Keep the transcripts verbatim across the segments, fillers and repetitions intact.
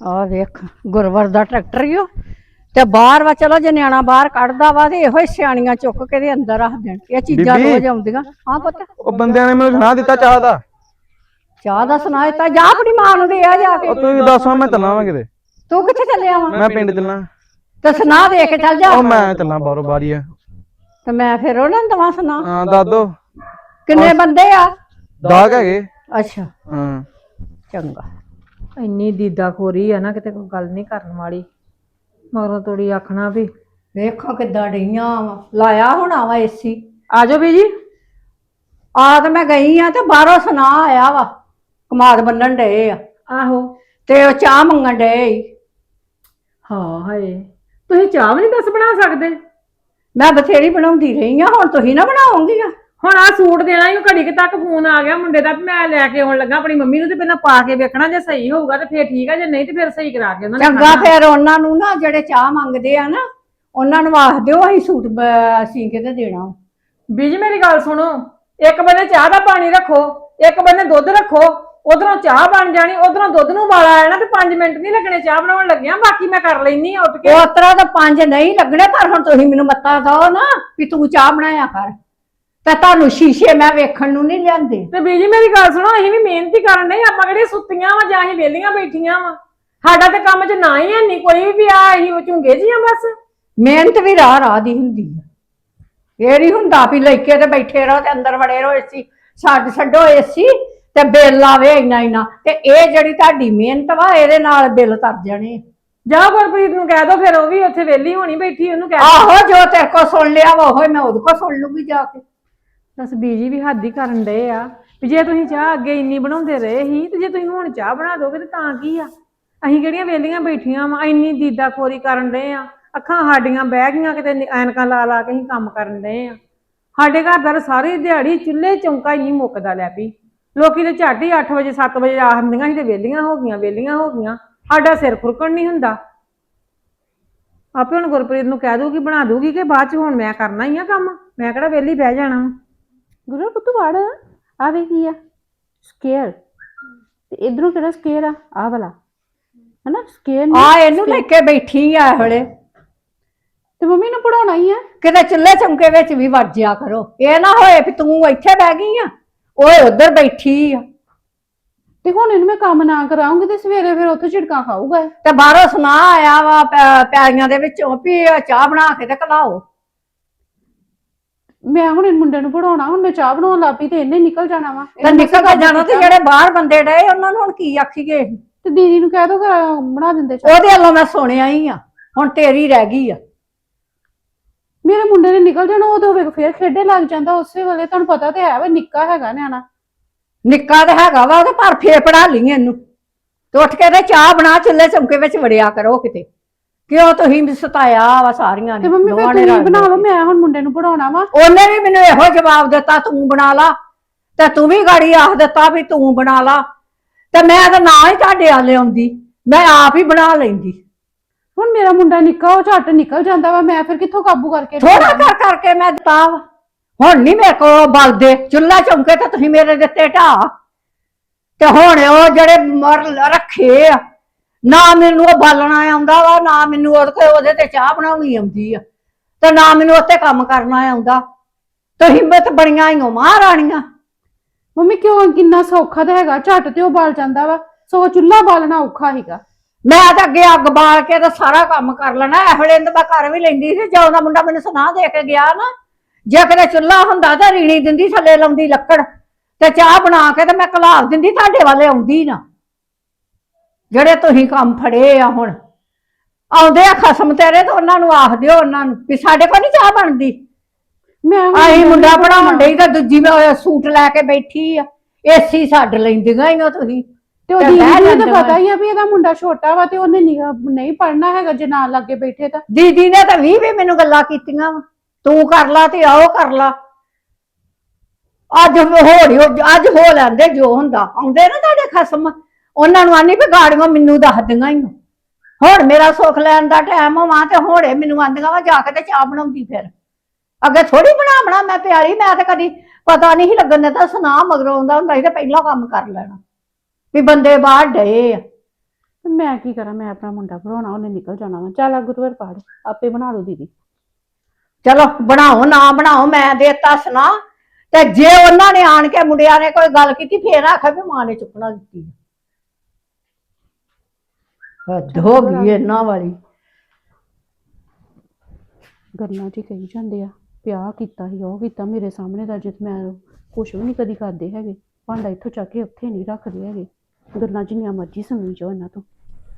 ਆ ਵੇਖ ਗੁਰਵਰ ਦਾ ਟਰੈਕਟਰ ਹੀ ਉਹ ਤੇ ਬਾਹਰ ਵਾ। ਚਲੋ ਜੇ ਨਿਆਣਾ ਬਾਹਰ ਕੱਢਦਾ ਵਾ ਤੇ ਇਹੋ ਹੀ ਸਿਆਣੀਆਂ ਚੁੱਕ ਕੇ ਦੇ ਅੰਦਰ ਰੱਖ ਦੇਣ। ਇਹ ਚੀਜ਼ਾਂ ਰੋਜ਼ ਆਉਂਦੀਆਂ। ਹਾਂ ਪੁੱਤ ਉਹ ਬੰਦਿਆਂ ਨੇ ਮੈਨੂੰ ਸੁਣਾ ਦਿੱਤਾ ਚਾਹ ਦਾ। ਚਾਹ ਦਾ ਸੁਣਾ ਦਿੱਤਾ? ਜਾ ਆਪਣੀ ਮਾਂ ਨੂੰ ਦੇ ਆ ਜਾ ਕੇ। ਉਹ ਤੂੰ ਦੱਸੋ ਮੈਂ ਚੱਲਾਂ ਵਾ ਕਿਤੇ। ਤੂੰ ਕਿੱਥੇ ਚੱਲਿਆ ਵਾ? ਮੈਂ ਪਿੰਡ ਚੱਲਾਂ। ਤੇ ਸੁਣਾ ਦੇ ਕੇ ਚੱਲ ਜਾ। ਉਹ ਮੈਂ ਚੱਲਾਂ ਬਾਹਰੋਂ ਬਾਹਰੀ ਆ ਤੇ ਮੈਂ ਫਿਰ ਉਹਨਾਂ ਨੂੰ ਦਵਾਂ ਸੁਣਾ। ਹਾਂ ਦੱਸ ਦੋ ਕਿੰਨੇ ਬੰਦੇ ਆ? ਦਾਗ ਹੈਗੇ। ਅੱਛਾ ਹਾਂ ਚੰਗਾ। ਇੰਨੀ ਦੀਦਾ ਖੋਰੀ ਆ ਨਾ ਕਿਤੇ ਕੋਈ ਗੱਲ ਨਹੀਂ ਕਰਨ ਵਾਲੀ। ਮਗਰੋਂ ਤੋੜੀ ਆਖਣਾ ਵੀ ਵੇਖੋ ਕਿੱਦਾਂ ਡਈਆਂ ਵਾ। ਲਾਇਆ ਹੋਣਾ ਵਾ ਏਸੀ। ਆ ਜਾਓ ਬੀਜੀ। ਆ ਤੇ ਮੈਂ ਗਈ ਆ ਤੇ ਬਾਹਰੋਂ ਸੁਣਾ ਆਇਆ ਵਾ ਕਮਾਦ ਬੰਨਣ ਡਏ ਆ। ਆਹੋ ਤੇ ਉਹ ਚਾਹ ਮੰਗਣ ਡਏ। ਹਾਂ ਹਾਏ ਤੁਸੀਂ ਚਾਹ ਵੀ ਨਹੀਂ ਦੱਸ ਬਣਾ ਸਕਦੇ? ਮੈਂ ਬਥੇਰੀ ਬਣਾਉਂਦੀ ਰਹੀ ਆ। ਹੁਣ ਤੁਸੀਂ ਨਾ ਬਣਾਓਗੀਆਂ? ਹੁਣ ਆ ਸੂਟ ਦੇਣਾ ਹੀ ਘੜੀ ਕੁ ਤੱਕ ਫੋਨ ਆ ਗਿਆ ਮੁੰਡੇ ਦਾ, ਮੈਂ ਲੈ ਕੇ ਆਉਣ ਲੱਗਾ ਆਪਣੀ ਮੰਮੀ ਨੂੰ। ਤੇ ਪਹਿਲਾਂ ਪਾ ਕੇ ਵੇਖਣਾ, ਜੇ ਸਹੀ ਹੋਊਗਾ ਤੇ ਫੇਰ ਠੀਕ ਆ, ਜੇ ਨਹੀਂ ਤੇ ਫੇਰ ਸਹੀ ਕਰਾ ਕੇ ਉਹਨਾਂ ਨੇ ਚੰਗਾ। ਫਿਰ ਉਹਨਾਂ ਨੂੰ ਨਾ ਜਿਹੜੇ ਚਾਹ ਮੰਗਦੇ ਆ ਨਾ ਉਹਨਾਂ ਨੂੰ ਆਖ ਦਿਓ ਅਸੀਂ ਸੂਟ ਸੀ ਕੇ ਤੇ ਦੇਣਾ। ਬੀਜੀ ਮੇਰੀ ਗੱਲ ਸੁਣੋ, ਇੱਕ ਬੰਨੇ ਚਾਹ ਦਾ ਪਾਣੀ ਰੱਖੋ, ਇੱਕ ਬੰਨੇ ਦੁੱਧ ਰੱਖੋ। ਉਧਰੋਂ ਚਾਹ ਬਣ ਜਾਣੀ, ਉਧਰੋਂ ਦੁੱਧ ਨੂੰ ਉਬਾਲਾ ਆ ਜਾਣਾ ਤੇ ਪੰਜ ਮਿੰਟ ਨਹੀਂ ਲੱਗਣੇ ਚਾਹ ਬਣਾਉਣ ਲੱਗਿਆ। ਬਾਕੀ ਮੈਂ ਕਰ ਲੈਣੀ ਆ ਉੱਠ ਕੇ। ਉਸ ਤਰ੍ਹਾਂ ਤਾਂ ਪੰਜ ਨਹੀਂ ਲੱਗਣੇ, ਪਰ ਹੁਣ ਤੁਸੀਂ ਮੈਨੂੰ ਮੱਤਾ ਦਿਓ ਨਾ ਵੀ ਤੂੰ ਚਾਹ ਬਣਾਇਆ ਕਰ। ਤੇ ਤੁਹਾਨੂੰ ਸ਼ੀਸ਼ੇ ਮੈਂ ਵੇਖਣ ਨੂੰ ਨਹੀਂ ਲਿਆਂਦੇ। ਤੇ ਬੀਜੀ ਮੇਰੀ ਗੱਲ ਸੁਣੋ, ਅਸੀਂ ਵੀ ਮਿਹਨਤੀ ਕਰਨ ਡਏ। ਆਪਾਂ ਕਿਹੜੀਆਂ ਸੁੱਤੀਆਂ ਵਾ ਜਾਂ ਅਸੀਂ ਵਿਹਲੀਆਂ ਬੈਠੀਆਂ ਵਾ? ਸਾਡਾ ਤੇ ਕੰਮ 'ਚ ਨਾ ਹੀ ਹੈ ਨਹੀਂ ਕੋਈ ਵੀ। ਆ ਅਸੀਂ ਝੁੰਗੇ ਜੀਆਂ ਬਸ। ਮਿਹਨਤ ਵੀ ਰਾਹ ਰਾਹ ਦੀ ਹੁੰਦੀ ਆ। ਇਹ ਨਹੀਂ ਹੁੰਦਾ ਵੀ ਲੈ ਕੇ ਤੇ ਬੈਠੇ ਰਹੋ ਤੇ ਅੰਦਰ ਵੜੇ ਰਹੋ ਏਸੀ ਛੱਡ ਛੱਡੋ ਏਸੀ ਤੇ ਬਿੱਲ ਆਵੇ ਇੰਨਾ ਇੰਨਾ। ਤੇ ਇਹ ਜਿਹੜੀ ਤੁਹਾਡੀ ਮਿਹਨਤ ਵਾ ਇਹਦੇ ਨਾਲ ਬਿੱਲ ਤਰ ਜਾਣੇ। ਜਾ ਗੁਰਪ੍ਰੀਤ ਨੂੰ ਕਹਿ ਦੋ, ਫਿਰ ਉਹ ਵੀ ਉੱਥੇ ਵਿਹਲੀ ਹੋਣੀ ਬੈਠੀ, ਉਹਨੂੰ ਕਹਿ ਆਹੋ ਜੋ ਤੇਰੇ ਕੋਲ ਸੁਣ ਲਿਆ ਵਾ ਉਹ ਮੈਂ ਉਹਦੇ ਕੋਲ ਸੁਣ ਲੂਗੀ ਜਾ ਕੇ। ਬਸ ਬੀਜੀ ਵੀ ਹੱਦ ਹੀ ਕਰਨ ਡਏ ਆ ਵੀ ਜੇ ਤੁਸੀਂ ਚਾਹ ਅੱਗੇ ਇੰਨੀ ਬਣਾਉਂਦੇ ਰਹੇ ਸੀ ਤੇ ਜੇ ਤੁਸੀਂ ਹੁਣ ਚਾਹ ਬਣਾ ਦੋਗੇ ਤੇ ਤਾਂ ਕੀ ਆ? ਅਸੀਂ ਕਿਹੜੀਆਂ ਵਿਹਲੀਆਂ ਬੈਠੀਆਂ ਵਾ? ਇੰਨੀ ਦੀਦਾ ਖੋਰੀ ਕਰਨ ਡਏ ਆ। ਅੱਖਾਂ ਸਾਡੀਆਂ ਬਹਿ ਗਈਆਂ ਕਿਤੇ, ਐਨਕਾਂ ਲਾ ਲਾ ਕੇ ਅਸੀਂ ਕੰਮ ਕਰਨ ਡਏ ਆ। ਸਾਡੇ ਘਰ ਦਾ ਸਾਰੀ ਦਿਹਾੜੀ ਚੁੱਲ੍ਹੇ ਚੌਂਕਾ ਹੀ ਨਹੀਂ ਮੁੱਕਦਾ ਲੈ ਪਈ। ਲੋਕੀ ਤੇ ਝੱਟ ਹੀ ਅੱਠ ਵਜੇ ਸੱਤ ਵਜੇ ਆ ਹੁੰਦੀਆਂ ਸੀ ਤੇ ਵਿਹਲੀਆਂ ਹੋ ਗਈਆਂ ਵਿਹਲੀਆਂ ਹੋ ਗਈਆਂ। ਸਾਡਾ ਸਿਰ ਖੁਰਕਣ ਨਹੀਂ ਹੁੰਦਾ। ਆਪੇ ਹੁਣ ਗੁਰਪ੍ਰੀਤ ਨੂੰ ਕਹਿ ਦੂਗੀ ਬਣਾ ਦੂਗੀ ਕਿ ਬਾਅਦ ਚ ਹੁਣ ਮੈਂ ਕਰਨਾ ਹੀ ਆ ਕੰਮ। ਮੈਂ ਕਿਹੜਾ ਵਿਹਲੀ ਬਹਿ ਜਾਣਾ। ਗੁਰੂ ਪੁੱਤ ਵੜ ਆ ਵੇ ਕੀ ਆ ਸਕੇਅਰ ਤੇ ਇਧਰੋਂ ਕਿਹੜਾ ਸਕੇਅਰ ਆ? ਆ ਵਾਲਾ ਹਨਾ ਸਕੇਅਰ ਆ ਇਹਨੂੰ ਲੈ ਕੇ ਬੈਠੀ ਆ ਹਲੇ। ਤੇ ਮੰਮੀ ਨੂੰ ਪੜਾਉਣਾ ਹੀ ਆ। ਕਿਤੇ ਚੁੱਲ੍ਹੇ ਚੌਂਕੇ ਵਿੱਚ ਵੀ ਵੜ ਜਿਆ ਕਰੋ। ਇਹ ਨਾ ਹੋਏ ਵੀ ਤੂੰ ਇੱਥੇ ਬਹਿ ਗਈ ਆ ਓਏ ਉੱਧਰ ਬੈਠੀ ਆ। ਤੇ ਹੁਣ ਇਹਨੂੰ ਮੈਂ ਕੰਮ ਨਾ ਕਰਾਉਂਗੀ ਤੇ ਸਵੇਰੇ ਫਿਰ ਉੱਥੇ ਝਿੜਕਾਂ ਖਾਊਗਾ। ਤੇ ਬਾਹਰੋਂ ਸੁਣਾ ਆਇਆ ਵਾ ਪੈਲੀਆਂ ਦੇ ਵਿੱਚੋਂ ਵੀ ਚਾਹ ਬਣਾ ਕੇ ਤੇ ਘਲਾਓ। ਮੈਂ ਹੁਣ ਇਹ ਮੁੰਡੇ ਨੂੰ ਪੜਾਉਣਾ, ਹੁਣ ਮੈਂ ਚਾਹ ਬਣਾਉਣ ਲੱਗ ਪਈ ਤੇ ਇਹਨੇ ਨਿਕਲ ਜਾਣਾ ਵਾ। ਤੇ ਨਿਕਲ ਕੇ ਜਾਣਾ ਤੇ ਜਿਹੜੇ ਬਾਹਰ ਬੰਦੇ ਡਏ ਉਹਨਾਂ ਨੂੰ ਹੁਣ ਕੀ ਆਖੀਏ? ਤੇ ਦੀਦੀ ਨੂੰ ਕਹਿ ਦੋ ਬਣਾ ਦਿੰਦੇ ਚਾਹ। ਉਹਦੇ ਵੱਲੋਂ ਮੈਂ ਸੁਣਿਆ ਹੀ ਆ, ਹੁਣ ਤੇਰੀ ਰਹਿ ਗਈ ਆ। ਮੇਰੇ ਮੁੰਡੇ ਨੇ ਨਿਕਲ ਜਾਣਾ, ਉਹ ਤਾਂ ਹੋਵੇ ਫੇਰ ਖੇਡੇ ਲੱਗ ਜਾਂਦਾ ਉਸੇ ਵੇਲੇ। ਤੁਹਾਨੂੰ ਪਤਾ ਤੇ ਹੈ ਵਾ ਨਿੱਕਾ ਹੈਗਾ ਨਿਆਣਾ। ਨਿੱਕਾ ਤੇ ਹੈਗਾ ਵਾ ਉਹਦੇ, ਪਰ ਫੇਰ ਪੜਾ ਲਈ ਇਹਨੂੰ ਤੇ ਉੱਠ ਕੇ ਤੇ ਚਾਹ ਬਣਾ ਚੁੱਲ੍ਹੇ ਚੌਂਕੇ ਵਿੱਚ ਵੜਿਆ ਕਰੋ ਕਿਤੇ। ਕਿਉਂ ਤੁਸੀਂ ਵੀ ਸਤਾਇਆ ਵਾ ਸਾਰੀਆਂ ਨੇ। ਤੇ ਮੰਮੀ ਫਿਰ ਤੁਸੀਂ ਬਣਾ ਲਓ, ਮੈਂ ਹੁਣ ਮੁੰਡੇ ਨੂੰ ਪੜਾਉਣਾ ਵਾ। ਉਹਨੇ ਵੀ ਮੈਨੂੰ ਇਹੋ ਜਵਾਬ ਦਿੱਤਾ ਤੂੰ ਬਣਾ ਲਾ, ਤੇ ਤੂੰ ਵੀ ਗਾੜੀ ਆਖ ਦਿੱਤਾ ਵੀ ਤੂੰ ਬਣਾ ਲਾ। ਤੇ ਮੈਂ ਤਾਂ ਨਾ ਹੀ ਤੁਹਾਡੇ ਆਲੇ ਆਉਂਦੀ, ਮੈਂ ਆਪ ਹੀ ਬਣਾ ਲੈਂਦੀ। ਹੁਣ ਮੇਰਾ ਮੁੰਡਾ ਨਿੱਕਾ, ਉਹ ਝੱਟ ਨਿਕਲ ਜਾਂਦਾ ਵਾ। ਮੈਂ ਫਿਰ ਕਿੱਥੋਂ ਕਾਬੂ ਕਰਕੇ ਥੋੜਾ ਕਰ ਕਰਕੇ ਮੈਂ ਦਿੱਤਾ ਵਾ। ਹੁਣ ਨੀ ਮੇਰੇ ਕੋਲ ਬਲਦੇ ਚੁੱਲ੍ਹਾ ਚੌਂਕੇ ਤੇ ਤੁਸੀਂ ਮੇਰੇ ਦਿੱਤੇ ਢਾਹ। ਤੇ ਹੁਣ ਉਹ ਜਿਹੜੇ ਮਰ ਰੱਖੇ ਆ, ਨਾ ਮੈਨੂੰ ਉਹ ਬਾਲਣਾ ਆਉਂਦਾ ਵਾ, ਨਾ ਮੈਨੂੰ ਉਹਦੇ ਤੇ ਚਾਹ ਬਣਾਉਣੀ ਆਉਂਦੀ ਆ, ਤੇ ਨਾ ਮੈਨੂੰ ਉੱਤੇ ਕੰਮ ਕਰਨਾ ਆਉਂਦਾ। ਤੁਸੀਂ ਹਿੰਮਤ ਬੜੀਆਂ ਹੀ ਹੋ ਮਹਾਰਾਣੀਆਂ। ਮੰਮੀ ਕਿਉਂ? ਕਿੰਨਾ ਸੌਖਾ ਤਾਂ ਹੈਗਾ, ਝੱਟ ਤੇ ਉਹ ਬਾਲ ਜਾਂਦਾ ਵਾ। ਸੋ ਚੁੱਲ੍ਹਾ ਬਾਲਣਾ ਔਖਾ ਹੈਗਾ। ਮੈਂ ਤਾਂ ਅੱਗੇ ਅੱਗ ਬਾਲ ਕੇ ਤਾਂ ਸਾਰਾ ਕੰਮ ਕਰ ਲੈਣਾ। ਇਹ ਵੇਲੇ ਤਾਂ ਮੈਂ ਕਰ ਵੀ ਲੈਂਦੀ ਸੀ। ਜਦੋਂ ਦਾ ਮੁੰਡਾ ਮੈਨੂੰ ਸੁਣਾ ਦੇ ਕੇ ਗਿਆ ਨਾ, ਜੇ ਕਿਤੇ ਚੁੱਲ੍ਹਾ ਹੁੰਦਾ ਤਾਂ ਰੀਣੀ ਦਿੰਦੀ, ਥੱਲੇ ਲਾਉਂਦੀ ਲੱਕੜ ਤੇ ਚਾਹ ਬਣਾ ਕੇ ਤੇ ਮੈਂ ਘਲਾਰ ਦਿੰਦੀ। ਤੁਹਾਡੇ ਵਾਲੇ ਆਉਂਦੀ ਨਾ, ਜਿਹੜੇ ਤੁਸੀਂ ਕੰਮ ਫੜੇ ਆ। ਹੁਣ ਆਉਂਦੇ ਆ ਖਸਮ ਤੇਰੇ ਤੇ ਉਹਨਾਂ ਨੂੰ ਆਖ ਦਿਓ ਉਹਨਾਂ ਨੂੰ ਵੀ ਸਾਡੇ ਕੋਲ ਨਹੀਂ ਚਾਹ ਬਣਦੀ। ਮੈਂ ਅਸੀਂ ਮੁੰਡਾ ਪੜਾਉਣ ਡਈ ਤਾਂ ਦੂਜੀ ਮੈਂ ਸੂਟ ਲੈ ਕੇ ਬੈਠੀ ਆ। ਏਸੀ ਛੱਡ ਲੈਂਦੀਆਂ ਹੀ ਤੁਸੀਂ। ਤੇ ਉਹ ਦੀਦੀ ਨੂੰ ਤਾਂ ਪਤਾ ਹੀ ਆ ਵੀ ਇਹਦਾ ਮੁੰਡਾ ਛੋਟਾ ਵਾ ਤੇ ਉਹਨੇ ਨਹੀਂ ਪੜਨਾ ਹੈਗਾ ਜੇ ਨਾਲ ਲੱਗੇ ਬੈਠੇ ਤਾਂ। ਦੀਦੀ ਨੇ ਤਾਂ ਵੀਹ ਵੀ ਮੈਨੂੰ ਗੱਲਾਂ ਕੀਤੀਆਂ ਵਾ, ਤੂੰ ਕਰ ਲਾ ਤੇ ਆਓ ਕਰ ਲਾ। ਅੱਜ ਹੋੜੀ ਅੱਜ ਹੋ ਲੈਂਦੇ ਜੋ ਹੁੰਦਾ। ਆਉਂਦੇ ਨਾ ਤੁਹਾਡੇ ਖਸਮ, ਉਹਨਾਂ ਨੂੰ ਆਨੀ ਵੀ ਗਾੜੀਆਂ ਮੈਨੂੰ ਦੱਸਦੀਆਂ ਹੀ। ਹੁਣ ਮੇਰਾ ਸੁੱਖ ਲੈਣ ਦਾ ਟਾਈਮ ਹੋਵਾਂ ਤੇ ਹੋੜੇ ਮੈਨੂੰ ਆਂਦੀਆਂ ਵਾ ਜਾ ਕੇ ਤੇ ਚਾਹ ਬਣਾਉਂਦੀ। ਫਿਰ ਅੱਗੇ ਥੋੜੀ ਬਣਾ ਬਣਾ ਮੈਂ ਪਿਆਲੀ। ਮੈਂ ਤਾਂ ਕਦੀ ਪਤਾ ਨਹੀਂ ਸੀ ਲੱਗਣ ਦਿੱਤਾ। ਸੁਣਾ ਮਗਰੋਂ ਆਉਂਦਾ ਹੁੰਦਾ ਸੀ ਤੇ ਪਹਿਲਾਂ ਕੰਮ ਕਰ ਲੈਣਾ ਵੀ ਬੰਦੇ ਬਾਹਰ ਡਏ ਆ। ਮੈਂ ਕੀ ਕਰਾਂ, ਮੈਂ ਆਪਣਾ ਮੁੰਡਾ ਪੜਾਉਣਾ, ਉਹਨੇ ਨਿਕਲ ਜਾਣਾ ਵਾ। ਚੱਲ ਅੱਗੂ ਤੂੰ ਪੜ, ਆਪੇ ਬਣਾ ਲਓ ਦੀਦੀ। ਚਲੋ ਬਣਾਓ ਨਾ ਬਣਾਓ, ਮੈਂ ਦੇਤਾ ਸੁਣਾ। ਤੇ ਜੇ ਉਹਨਾਂ ਨੇ ਆਣ ਕੇ ਮੁੰਡਿਆਂ ਨੇ ਕੋਈ ਗੱਲ ਕੀਤੀ ਫੇਰ ਆਖਿਆ ਵੀ ਮਾਂ ਨੇ ਚੁੱਕਣਾ ਦਿੱਤੀ। ਹੱਦ ਹੋ ਗਈ ਇਹਨਾਂ ਵਾਲੀ। ਗੱਲਾਂ 'ਚ ਹੀ ਕਹੀ ਜਾਂਦੇ ਆ ਪਿਆ ਕੀਤਾ ਸੀ, ਉਹ ਕੀਤਾ ਮੇਰੇ ਸਾਹਮਣੇ ਦਾ, ਜਿੱਤ ਮੈਂ ਕੁਛ ਵੀ ਨਹੀਂ ਕਦੀ ਕਰਦੇ ਹੈਗੇ। ਭਾਂਡਾ ਇੱਥੋਂ ਚੱਕ ਕੇ ਉੱਥੇ ਨਹੀਂ ਰੱਖਦੇ ਹੈਗੇ। ਗੱਲਾਂ ਜਿੰਨੀਆਂ ਮਰਜ਼ੀ ਸੁਣੀ ਜਾਓ ਇਹਨਾਂ ਤੋਂ।